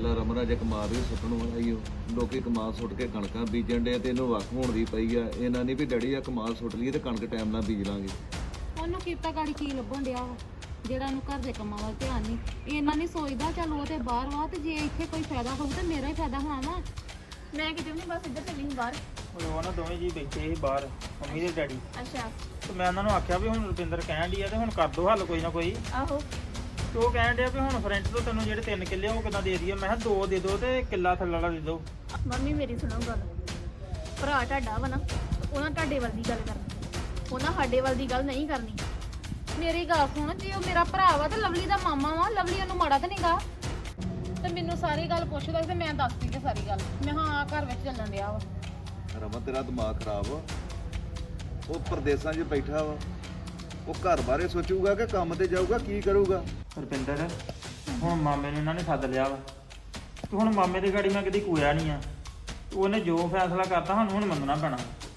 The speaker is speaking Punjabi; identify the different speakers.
Speaker 1: ਤੇਰਾ ਰਮਨ ਅਜੇ ਕਮਾਲ ਵੀ ਸੁੱਟਣ ਵਾਲਾ ਹੀ ਉਹ ਲੋਕੀ ਕਮਾਲ ਸੁੱਟ ਕੇ ਕਣਕਾਂ ਬੀਜਣ ਡੇ ਤੇ ਇਹਨੂੰ ਵੱਖ ਹੋਣ ਦੀ ਪਈ ਆ। ਇਹਨਾਂ ਨਹੀਂ ਵੀ ਡੈਡੀ ਆ ਕਮਾਲ ਸੁੱਟ ਲਈਏ ਤੇ ਕਣਕ ਟਾਈਮ ਨਾਲ ਬੀਜ ਲਾਂਗੇ।
Speaker 2: ਉਹਨੂੰ ਕੀਤਾ ਗਾੜੀ ਕੀ ਲੱਭਣ ਡਿਆ ਵਾ ਜਿਹੜਾ ਉਹਨੂੰ ਘਰ ਦੇ ਕੰਮਾਂ ਵੱਲ ਧਿਆਨ ਨਹੀਂ। ਇਹਨਾਂ ਨਹੀਂ ਸੋਚਦਾ ਚੱਲ ਉਹ ਤੇ ਬਾਹਰ ਵਾ ਤੇ ਜੇ ਇੱਥੇ ਕੋਈ ਫਾਇਦਾ ਹੋਊ ਤੇ ਮੇਰਾ ਹੀ ਫਾਇਦਾ ਹੋਣਾ ਵਾ। ਮੈਂ ਕਿਤੇ ਵੀ ਨਹੀਂ ਬਸ ਇੱਧਰ ਚੱਲੀ ਸੀ ਬਾਹਰ।
Speaker 3: ਹੁਣ ਉਹ ਨਾ ਦੋਵੇਂ ਜੀ ਬੈਠੇ ਸੀ ਬਾਹਰ ਮੰਮੀ ਤੇ ਡੈਡੀ।
Speaker 2: ਅੱਛਾ।
Speaker 3: ਤੇ ਮੈਂ ਉਹਨਾਂ ਨੂੰ ਆਖਿਆ ਵੀ ਹੁਣ ਰੁਪਿੰਦਰ ਕਹਿਣ ਡਈ ਆ ਤੇ ਹੁਣ ਕਰ ਦੋ ਹੱਲ ਕੋਈ ਨਾ ਕੋਈ।
Speaker 2: ਆਹੋ।
Speaker 3: ਤੇ ਉਹ ਕਹਿਣ ਡਿਆ ਵੀ ਹੁਣ ਫਰੈਂਡ ਤੋਂ ਤੈਨੂੰ ਜਿਹੜੇ 3 ਕਿੱਲੇ ਉਹ ਕਿੱਦਾਂ ਦੇ ਦਈਏ। ਮੈਂ ਕਿਹਾ 2 ਦੇ ਦਿਓ ਤੇ ਕਿੱਲਾ ਥੱਲੇ ਵਾਲਾ ਦੇ ਦਿਓ।
Speaker 4: ਮੰਮੀ ਮੇਰੀ ਸੁਣੋ ਗੱਲ, ਭਰਾ ਤੁਹਾਡਾ ਵਾ ਨਾ, ਉਹਨਾਂ ਤੁਹਾਡੇ ਵੱਲ ਦੀ ਗੱਲ ਕਰਨੀ, ਉਹਨਾਂ ਸਾਡੇ ਵੱਲ ਦੀ ਗੱਲ ਨਹੀਂ ਕਰਨੀ।
Speaker 2: ਮੇਰੀ ਗੱਲ ਸੁਣ, ਜੇ ਉਹ ਮੇਰਾ ਭਰਾ ਵਾ ਤੇ ਲਵਲੀ ਦਾ ਮਾਮਾ ਵਾ, ਲਵਲੀ ਉਹਨੂੰ ਮਾੜਾ ਤਾਂ ਨਹੀਂਗਾ। ਤੇ ਮੈਨੂੰ ਸਾਰੀ ਗੱਲ ਪੁੱਛਦਾ ਤੇ ਮੈਂ ਦੱਸਦੀ ਤੇ ਸਾਰੀ ਗੱਲ। ਮੈਂ ਹਾਂ ਘਰ ਵਿੱਚ ਚੱਲਣ ਡਿਆ ਵਾ।
Speaker 1: ਰਮਨ ਤੇਰਾ ਦਿਮਾਗ ਖਰਾਬ ਵਾ। ਉਹ ਪ੍ਰਦੇਸਾਂ 'ਚ ਬੈਠਾ ਵਾ, ਉਹ ਘਰ ਬਾਰੇ ਸੋਚੂਗਾ ਕਿ ਕੰਮ ਤੇ ਜਾਊਗਾ, ਕੀ ਕਰੂਗਾ?
Speaker 3: ਰੁਪਿੰਦਰ ਹੁਣ ਮਾਮੇ ਨੂੰ ਇਹਨਾਂ ਨੇ ਸੱਦ ਲਿਆ ਵਾ ਤੇ ਹੁਣ ਮਾਮੇ ਦੀ ਗਾੜੀ ਮੈਂ ਕਦੀ ਕੋਇਆ ਨਹੀਂ ਆ। ਉਹਨੇ ਜੋ ਫੈਸਲਾ ਕਰਤਾ ਸਾਨੂੰ ਹੁਣ ਮੰਨਣਾ ਪੈਣਾ।